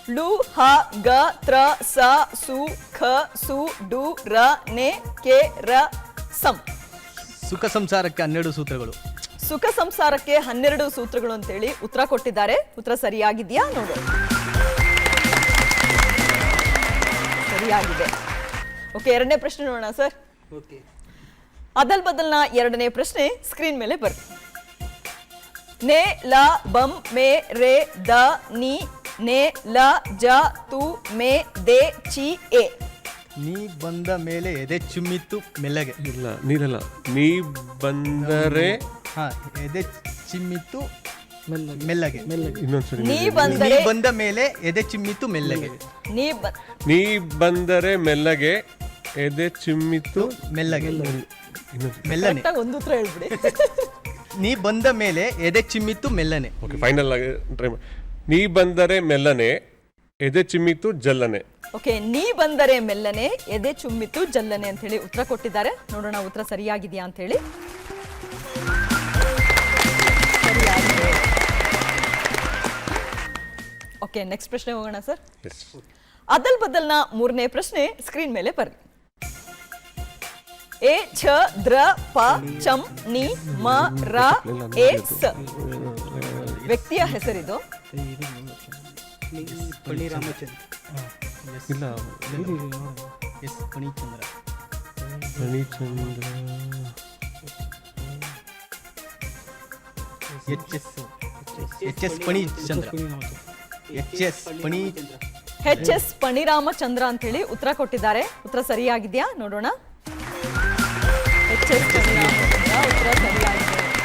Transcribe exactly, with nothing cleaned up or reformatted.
ಲು ಹ ಗ ತ್ರ ಸ ಸು ಖ ಸು ಡು ರ ನೆ ಕೆ ರ ಸಂ. ಸುಖ ಸಂಸಾರಕ್ಕೆ ಹನ್ನೆರಡು ಸೂತ್ರಗಳು. ಸುಖ ಸಂಸಾರಕ್ಕೆ ಹನ್ನೆರಡು ಸೂತ್ರಗಳು ಅಂತೇಳಿ ಉತ್ತರ ಕೊಟ್ಟಿದ್ದಾರೆ. ಉತ್ತರ ಸರಿಯಾಗಿದೆಯಾ ನೋಡು. ಸರಿಯಾಗಿದೆ. ಓಕೆ, ಎರಡನೇ ಪ್ರಶ್ನೆ ನೋಡೋಣ ಸರ್. ಅದಲ್ ಬದಲ್ನ ಎರಡನೇ ಪ್ರಶ್ನೆ ಸ್ಕ್ರೀನ್ ಮೇಲೆ ಬರ್ರಿ. ನೆ ಲ ಬಂ ಮೆ ರೇ ದ ನಿ ನೆ ಲ ಜ ತು ಮೆ ದೆ ಚಿ ಎ. ನೀ ಬಂದ ಮೇಲೆ ಎದೆ ಚಿಮ್ಮಿತ್ತು ಮೆಲ್ಲಗೆ. ಇಲ್ಲ ನೀರಲ್ಲ. ನೀ ಬಂದರೆ ಹಾ, ಎದೆ ಚಿಮ್ಮಿತ್ತು ಮೆಲ್ಲಗೆ. ಇನ್ನೊಂದ್ಸರಿ. ನೀ ನೀ ಬಂದರೆ ಬಂದ ಮೇಲೆ ಎದೆ ಚಿಮ್ಮಿತ್ತು ಮೆಲ್ಲಗೆ. ನೀ ಬ ನೀ ಬಂದರೆ ಮೆಲ್ಲಗೆ ಎದೆ ಚಿಮ್ಮಿತ್ತು ಮೆಲ್ಲಗೆ ಇನ್ನೊಂದ್ಸರಿ. ಮೆಲ್ಲನೆ. ಕರೆಕ್ಟಾಗಿ ಒಂದು ಉತ್ತರ ಹೇಳ್ಬಿಡಿ. ನೀ ಬಂದ ಮೇಲೆ ಎದೆ ಚಿಮ್ಮಿತ್ತು ಮೆಲ್ಲನೆ. ಓಕೆ, ಫೈನಲ್ ಆಗಿ ಟ್ರೈ ಮಾಡಿ. ನೀ ಬಂದರೆ ಮೆಲ್ಲನೆ ಎದೆ ಚಿಮ್ಮಿತ್ತು ಜಲ್ಲನೆ. ಓಕೆ, ನೀ ಬಂದರೆ ಮೆಲ್ಲನೆ ಎದೆ ಚುಮ್ಮಿತ್ತು ಜಲ್ಲನೆ ಅಂತ ಹೇಳಿ ಉತ್ತರ ಕೊಟ್ಟಿದ್ದಾರೆ. ನೋಡೋಣ ಉತ್ತರ ಸರಿಯಾಗಿದೆಯಾ ಅಂತ ಹೇಳಿ. ಸರಿಯಾಗಿದೆ. ಓಕೆ, ನೆಕ್ಸ್ಟ್ ಪ್ರಶ್ನೆ ಹೋಗೋಣ ಸರ್. ಎಸ್. ಅದಲ್ ಬದಲ್ನ ಮೂರನೇ ಪ್ರಶ್ನೆ ಸ್ಕ್ರೀನ್ ಮೇಲೆ ಬರ್ರಿ. ಎ ಛ ದ್ರ ಪ ಚಂ ನಿ ಮ ರ ಎ ಸ. ವ್ಯಕ್ತಿಯ ಹೆಸರಿದು. ಇಲ್ಲ S Panichandra. Manichandra. H S H S Panichandra. H S Pani H S Paniramachandra ಅಂತ ಹೇಳಿ ಉತ್ತರ ಕೊಟ್ಟಿದ್ದಾರೆ. ಉತ್ತರ ಸರಿಯಾಗಿದೆಯಾ ನೋಡೋಣ. ಎಚ್ ಎಸ್ ಪಣಿರಾಮಚಂದ್ರ ಉತ್ತರ ಸರಿಯಾಗಿದೆ.